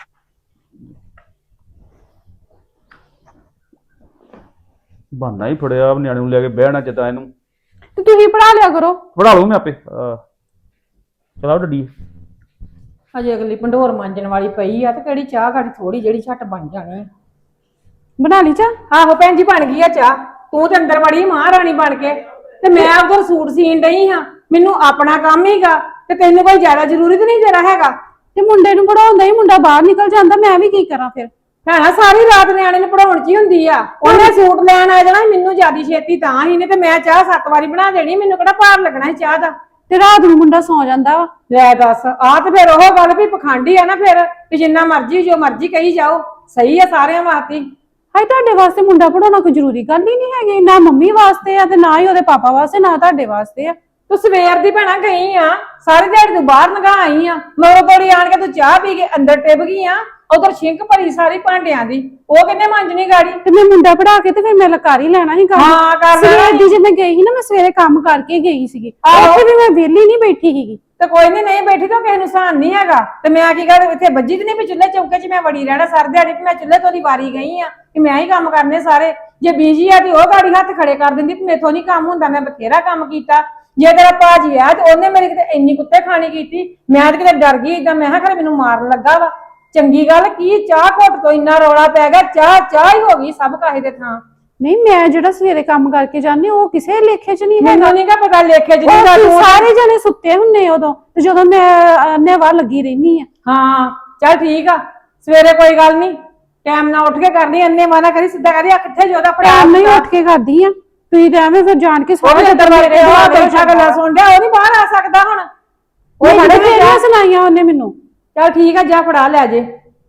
ਬਹਾਨਾ ਹੀ ਫੜਿਆ ਨਿਆਣੇ ਨੂੰ ਲੈ ਕੇ ਬਹਿਣਾ ਜਿੱਦਾਂ ਇਹਨੂੰ। ਤੇ ਤੁਸੀਂ ਪੜਾ ਲਿਆ ਕਰੋ। ਪੜਾ ਲੂ ਮੈਂ ਆਪੇ। ਚਲਾ ਡੱਡੀ। ਅਜੇ ਅਗਲੀ ਭੰਡੋਰ ਮਾਂਜਣ ਵਾਲੀ ਪਈ ਆ ਤੇ ਕਿਹੜੀ ਚਾਹ ਘੜੀ ਥੋੜੀ ਜਿਹੜੀ ਛੱਟ ਬਣ ਜਾਣੀ ਆ। ਬਣਾ ਲਈ ਚਾਹ? ਆਹੋ ਭੈਣ ਜੀ ਬਣ ਗਈ ਆ ਚਾਹ। ਤੂੰ ਤੇ ਅੰਦਰ ਵੜੀ ਮਹਾਰਾਣੀ ਬਣ ਕੇ, ਤੇ ਮੈਂ ਉਧਰ ਸੂਟ ਸੀਣ ਡਈ ਹਾਂ। ਮੈਨੂੰ ਆਪਣਾ ਕੰਮ ਹੀਗਾ ਤੇ ਤੈਨੂੰ ਕੋਈ ਜ਼ਿਆਦਾ ਜ਼ਰੂਰੀ ਤਾਂ ਨਹੀਂ ਤੇਰਾ ਹੈਗਾ। ਤੇ ਮੁੰਡੇ ਨੂੰ ਪੜਾਉਂਦਾ ਹੀ ਮੁੰਡਾ ਬਾਹਰ ਨਿਕਲ ਜਾਂਦਾ, ਮੈਂ ਵੀ ਕੀ ਕਰਾਂ ਫਿਰ? ਭੈਣਾ ਸਾਰੀ ਰਾਤ ਨਿਆਣੇ ਨੂੰ ਪੜਾਉਣ ਚ ਹੀ ਹੁੰਦੀ ਆ। ਉਹਨੇ ਸੂਟ ਲੈਣ ਆ ਜਾਣਾ, ਮੈਨੂੰ ਜਿਆਦੀ ਛੇਤੀ ਤਾਂ ਹੀ ਨੇ, ਤੇ ਮੈਂ ਚਾਹ ਸੱਤ ਵਾਰੀ ਬਣਾ ਦੇਣੀ। ਮੈਨੂੰ ਕਿਹੜਾ ਭਾਰ ਲੱਗਣਾ ਸੀ ਚਾਹ ਦਾ। ਤੇ ਰਾਤ ਨੂੰ ਮੁੰਡਾ ਸੌ ਜਾਂਦਾ ਵਾ। ਲੈ ਦੱਸ, ਆਹ ਤੇ ਫਿਰ ਉਹ ਗੱਲ ਵੀ ਪਖੰਡੀ ਆ ਨਾ ਫਿਰ, ਵੀ ਜਿੰਨਾ ਮਰਜ਼ੀ ਜੋ ਮਰਜ਼ੀ ਕਹੀ ਜਾਓ, ਸਹੀ ਆ ਸਾਰਿਆਂ ਵਾਸਤੇ। ਹਾਏ ਤੁਹਾਡੇ ਵਾਸਤੇ ਮੁੰਡਾ ਪੜਾਉਣਾ ਕੋਈ ਜ਼ਰੂਰੀ ਗੱਲ ਹੀ ਨਹੀਂ ਹੈਗੀ, ਨਾ ਮੰਮੀ ਵਾਸਤੇ ਆ ਤੇ ਨਾ ਹੀ ਉਹਦੇ ਪਾਪਾ ਵਾਸਤੇ, ਨਾ ਤੁਹਾਡੇ ਵਾਸਤੇ ਆ। ਤੂੰ ਸਵੇਰ ਦੀ ਭੈਣਾ ਗਈ ਆ, ਸਾਰੀ ਦਿਹਾੜੀ ਤੂੰ ਬਾਹਰ ਲੰਘਾ ਆਈ ਆ, ਮਗਰੋਂ ਤੋੜੀ ਆਣ ਕੇ ਤੂੰ ਚਾਹ ਪੀ ਕੇ ਅੰਦਰ ਟਿਪ ਗਈ ਆ। ਉਧਰ ਛਿੰਕ ਭਰੀ ਸਾਰੀ ਭਾਂਡਿਆਂ ਦੀ, ਉਹ ਕਿੰਨੇ ਮਾਂਜਣੀ ਗਾੜੀ? ਤੇ ਮੈਂ ਮੁੰਡਾ ਪੜਾ ਕੇ ਤੇ ਫਿਰ ਮੈਂ ਕਰ ਹੀ ਲੈਣਾ ਸੀ ਕੰਮ। ਹਾਂ ਕਰ ਲੈਣਾ ਸਵੇਰ ਸੀ। ਦੀ ਜੇ ਮੈਂ ਗਈ ਸੀ ਨਾ, ਮੈਂ ਸਵੇਰੇ ਕੰਮ ਕਰਕੇ ਗਈ ਸੀਗੀ, ਆਹੋ। ਉੱਥੇ ਵੀ ਮੈਂ ਵਿਹਲੀ ਨਹੀਂ ਬੈਠੀ ਸੀਗੀ। ਤੇ ਕੋਈ ਨਹੀਂ ਨਹੀਂ ਬੈਠੀ ਤਾਂ ਕਿਸੇ ਨੂੰ ਸਾਨ ਨਹੀਂ ਹੈਗਾ। ਤੇ ਮੈਂ ਕੀ ਕਰ ਇੱਥੇ ਵੱਜੀ ਤੇ ਨਹੀਂ ਵੀ ਚੁੱਲ੍ਹੇ ਚੌਕੇ 'ਚ ਮੈਂ ਵੜੀ ਰਹਿਣਾ ਸਾਰੀ ਦਿਹਾੜੀ, ਵੀ ਮੈਂ ਚੁੱਲ੍ਹੇ ਤੋਂ ਦੀ ਵਾਰੀ ਗਈ ਆ ਕਿ ਮੈਂ ਹੀ ਕੰਮ ਕਰਨੇ ਸਾਰੇ। ਜੇ ਬੀਜੀ ਆ ਤੇ ਉਹ ਗਾੜੀ ਹੱਥ ਖੜੇ ਕਰ ਦਿੰਦੀ ਵੀ ਮੇਥੋਂ ਨਹੀਂ ਕੰਮ ਹੁੰਦਾ, ਮੈਂ ਬਥੇਰਾ ਕੰਮ ਕੀਤਾ। ਜੇ ਤੇਰਾ ਭਾਜੀ ਆ ਤੇ ਉਹਨੇ ਮੇਰੀ ਕਿਤੇ ਇੰਨੀ ਕੁੱਤੇ ਖਾਣੀ ਕੀਤੀ, ਮੈਂ ਤੇ ਕਿਤੇ ਡਰ ਗਈ ਏਦਾਂ, ਮੈਂ ਕਿਹਾ ਖਰੇ ਮੈਨੂੰ ਮਾਰਨ ਲੱਗਾ ਵਾ। ਚੰਗੀ ਗੱਲ ਕੀ, ਚਾਹ ਘੁੱਟ ਤੋਂ ਇੰਨਾ ਰੌਲਾ ਪੈ ਗਿਆ, ਚਾਹ ਚਾਹ ਹੀ ਹੋ ਗਈ ਸਭ ਕਾਹੇ ਦੇ ਥਾਂ। ਨਹੀਂ, ਮੈਂ ਜਿਹੜਾ ਸਵੇਰੇ ਕੰਮ ਕਰਕੇ ਜਾਂਦੀ ਉਹ ਕਿਸੇ ਲੇਖੇ 'ਚ ਨਹੀਂ ਹੈਗਾ। ਮੈਨੂੰ ਨਹੀਂ ਗਾ ਪਤਾ ਲੇਖੇ ਚ ਨਹੀਂ ਗੱਲ। ਉਹ ਸਾਰੇ ਜਣੇ ਸੁੱਤੇ ਹੁੰਨੇ ਉਦੋਂ, ਤੇ ਜਦੋਂ ਮੈਂ ਨਿਵਾ ਲੱਗੀ ਰਹਿਨੀ ਆ। ਹਾਂ ਚੱਲ ਠੀਕ ਆ, ਸਵੇਰੇ ਕੋਈ ਗੱਲ ਨਹੀਂ, ਟਾਈਮ ਨਾਲ ਉੱਠ ਕੇ ਕਰਨੀ, ਅੰਨੇ ਮਾਨਾ ਕਰੀ, ਸਿੱਧਾ ਕਰੀ ਆ ਕਿੱਥੇ ਜੋਦਾ ਫੜਿਆ। ਟਾਈਮ ਨਹੀਂ ਉੱਠ ਕੇ ਕਰਦੀ ਆ, ਤੁਸੀਂ ਤਾਂ ਐਵੇਂ ਫਿਰ ਜਾਣ ਕੇ ਉਹ ਸਾਰੇ ਵੀ ਦਰਵਾਜ਼ੇ ਆ ਬੈਠਾ ਗੱਲਾਂ ਸੁਣ ਰਿਹਾ, ਉਹ ਨਹੀਂ ਬਾਹਰ ਆ ਸਕਦਾ ਹੁਣ। ਉਹ ਉਹ ਸਾਡੇ ਬੜੇ ਸੁਣਾਈਆਂ ਉਹਨੇ ਮੈਨੂੰ। ਚੱਲ ਠੀਕ ਆ, ਜਾ ਫੜਾ ਲੈ ਜੇ।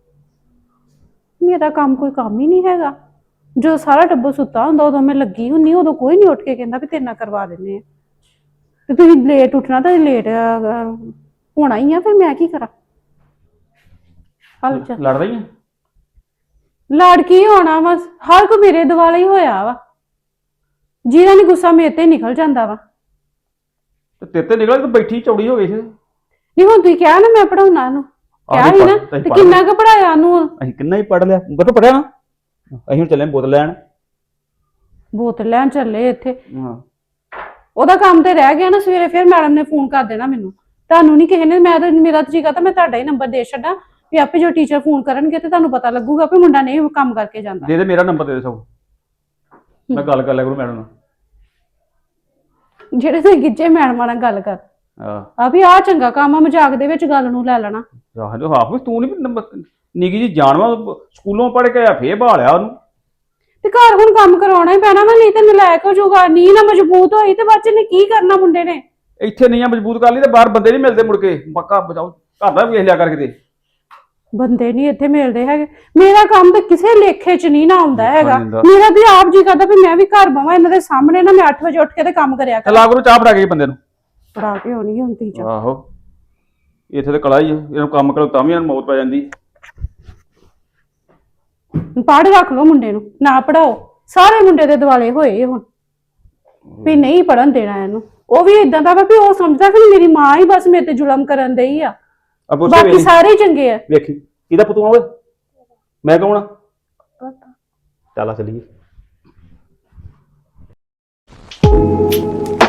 ਮੇਰਾ ਕੰਮ ਕੋਈ ਕੰਮ ਹੀ ਨਹੀਂ ਹੈਗਾ। ਜਦੋਂ ਸਾਰਾ ਟੱਬਰ ਸੁੱਤਾ ਹੁੰਦਾ ਉਦੋਂ ਮੈਂ ਲੱਗੀ ਹੁੰਨੀ, ਉਦੋਂ ਕੋਈ ਨਹੀਂ ਉੱਠ ਕੇ ਕਹਿੰਦਾ ਵੀ ਤੇਰੇ ਨਾਲ ਕਰਵਾ ਦਿੰਦੇ ਆ। ਤੇ ਤੁਸੀਂ ਲੇਟ ਉੱਠਣਾ ਤਾਂ ਲੇਟ ਹੋਣਾ ਹੀ ਆ, ਫਿਰ ਮੈਂ ਕੀ ਕਰਾਂ? ਹਲ ਚੱਲ ਲੜ ਰਹੀ ਆ? ਲੜ ਕੀ ਹੋਣਾ ਵਾ, ਹਰ ਕੋ ਮੇਰੇ ਦੁਆਲੇ ਹੀ ਹੋਇਆ ਵਾ। ਜਿਹਦਾ ਨੀ ਗੁੱਸਾ ਮੇਰੇ ਤੇ ਨਿਕਲ ਜਾਂਦਾ ਵਾ। ਤੇ ਤੇਰੇ ਤੇ ਨਿਕਲ, ਤੂੰ ਬੈਠੀ ਚੌੜੀ ਹੋ ਗਈ ਸੀ। ਨਹੀਂ ਹੁਣ ਤੁਸੀਂ ਕਿਹਾ ਨਾ ਮੈਂ ਪੜਾਉਣਾ ਇਹਨੂੰ, ਕਿਹਾ ਆਹੋ ਸੀ ਨਾ, ਪੜ੍ਹ- ਤੇ ਪੜ੍ਹ ਕਿੰਨਾ ਕੁ ਪੜਾਇਆ ਉਹਨੂੰ? ਅਸੀਂ ਕਿੰਨਾ ਹੀ ਪੜ ਲਿਆ, ਕਿੱਥੋਂ ਪੜਿਆ ਨਾ। ਅਸੀਂ ਹੁਣ ਚੱਲੇ ਆਂ ਬੋਤਲ ਲੈਣ। ਬੋਤਲ ਲੈਣ ਚੱਲੇ ਇੱਥੇ। ਹਾਂ ਉਹਦਾ ਕੰਮ ਤੇ ਰਹਿ ਗਿਆ ਨਾ, ਸਵੇਰੇ ਫਿਰ ਮੈਡਮ ਨੇ ਫੋਨ ਕਰ ਦੇਣਾ ਮੈਨੂੰ। ਤੁਹਾਨੂੰ ਨਹੀਂ ਕਿਸੇ ਨੇ, ਮੈਂ ਤਾਂ ਮੇਰਾ ਤਾਂ ਜੀਗਾ ਤਾਂ ਮੈਂ ਤੁਹਾਡਾ ਹੀ ਨੰਬਰ ਦੇ ਛੱਡਾਂ ਵੀ ਆਪੇ ਜੋ ਟੀਚਰ ਫੋਨ ਕਰਨਗੇ ਤੇ ਤੁਹਾਨੂੰ ਪਤਾ ਲੱਗੂਗਾ ਵੀ ਮੁੰਡਾ ਨਹੀਂ ਕੰਮ ਕਰਕੇ ਜਾਂਦਾ। ਦੇ ਦੇ ਮੇਰਾ ਨੰਬਰ ਦੇ ਦੇ ਸਭ, ਮੈਂ ਗੱਲ ਕਰ ਲਿਆ ਕਰੂੰ ਮੈਡਮ ਨਾਲ। ਜਿਹੜੇ ਤੇ ਗਿੱਜੇ ਮੈਡਮਾਂ ਨਾਲ ਗੱਲ ਕਰ ਆਹ ਆ ਵੀ ਆਹ ਚੰਗਾ ਕੰਮ ਆ, ਮਜ਼ਾਕ ਦੇ ਵਿੱਚ ਗੱਲ ਨੂੰ ਲੈ ਲੈਣਾ। ਆਹ ਜੋ ਹਾਫ ਤੂੰ ਨਹੀਂ ਨੰਬਰ ਨਿੱਕੀ ਜੀ ਜਾਣਵਾ, ਸਕੂਲੋਂ ਪੜ ਕੇ ਆਇਆ ਫੇਰ ਭਾਲਿਆ ਉਹਨੂੰ। ਤੇ ਘਰ ਹੁਣ ਕੰਮ ਕਰਾਉਣਾ ਹੀ ਪੈਣਾ ਵਾ, ਨਹੀਂ ਤੇ ਨਲਾਇਕ ਹੋ ਜਾਊਗਾ। ਨੀ ਨਾ ਮਜ਼ਬੂਤ ਹੋਈ ਤੇ ਬੱਚੇ ਨੇ ਕੀ ਕਰਨਾ ਮੁੰਡੇ ਨੇ। ਇੱਥੇ ਨਹੀਂ ਆ ਮਜ਼ਬੂਤ ਕਰ ਲਈ ਤੇ ਬਾਹਰ ਬੰਦੇ ਨਹੀਂ ਮਿਲਦੇ ਮੁੜ ਕੇ। ਪੱਕਾ ਬਚਾਓ, ਘਰ ਦਾ ਵੇਖ ਲਿਆ ਕਰ ਕਿਤੇ। ਬੰਦੇ ਨਹੀਂ ਇੱਥੇ ਮਿਲਦੇ ਹੈਗੇ। ਮੇਰਾ ਕੰਮ ਤਾਂ ਕਿਸੇ ਲੇਖੇ 'ਚ ਨਹੀਂ ਨਾ ਆਉਂਦਾ ਹੈਗਾ। ਹੁੰਦਾ। ਮੇਰਾ ਤੇ ਆਪ ਜੀ ਕਰਦਾ ਵੀ ਮੈਂ ਵੀ ਘਰ ਬਵਾਂ ਇਹਨਾਂ ਦੇ ਸਾਹਮਣੇ ਨਾ, ਮੈਂ ਅੱਠ ਵਜੇ ਉੱਠ ਕੇ ਤੇ ਕੰਮ ਕਰਿਆ ਕਰ। ਲਾ ਕਰੋ ਚਾਹ ਫੜਾ ਕੇ ਬੰਦੇ ਨੂੰ। ਪੜਾ ਕੇ ਹੋਣੀ ਹੁੰਦੀ ਚ। ਆਹੋ ਇੱਥੇ ਤੇ ਕਲਾ ਹੀ ਆ, ਇਹਨੂੰ ਕੰਮ ਕਰੋ ਤਾਂ ਵੀ ਇਹਨੂੰ ਮੌਤ ਪੈ ਜਾਂਦੀ। ਪੜ੍ਹ ਰੱਖ ਲਓ ਮੁੰਡੇ ਨੂੰ, ਨਾ ਪੜਾਓ। ਸਾਰੇ ਮੁੰਡੇ ਦੇ ਦੁਆਲੇ ਹੋਏ ਹੁਣ ਵੀ ਨਹੀਂ ਪੜਨ ਦੇਣਾ ਇਹਨੂੰ। ਉਹ ਵੀ ਇਦਾਂ ਦਾ ਵਾ ਵੀ ਉਹ ਸਮਝਦਾ ਕਿ ਮੇਰੀ ਮਾਂ ਹੀ ਬਸ ਮੇਰੇ ਤੇ ਜ਼ੁਲਮ ਕਰਨ ਦਈ ਆ, ਬਾਕੀ ਸਾਰੇ ਹੀ ਚੰਗੇ ਆ। ਵੇਖੀ ਕਿਹਦਾ ਪੁੱਤ ਓਏ, ਮੈਂ ਕੌਣ ਆ? ਚੱਲ ਆ ਚੱਲੀਏ।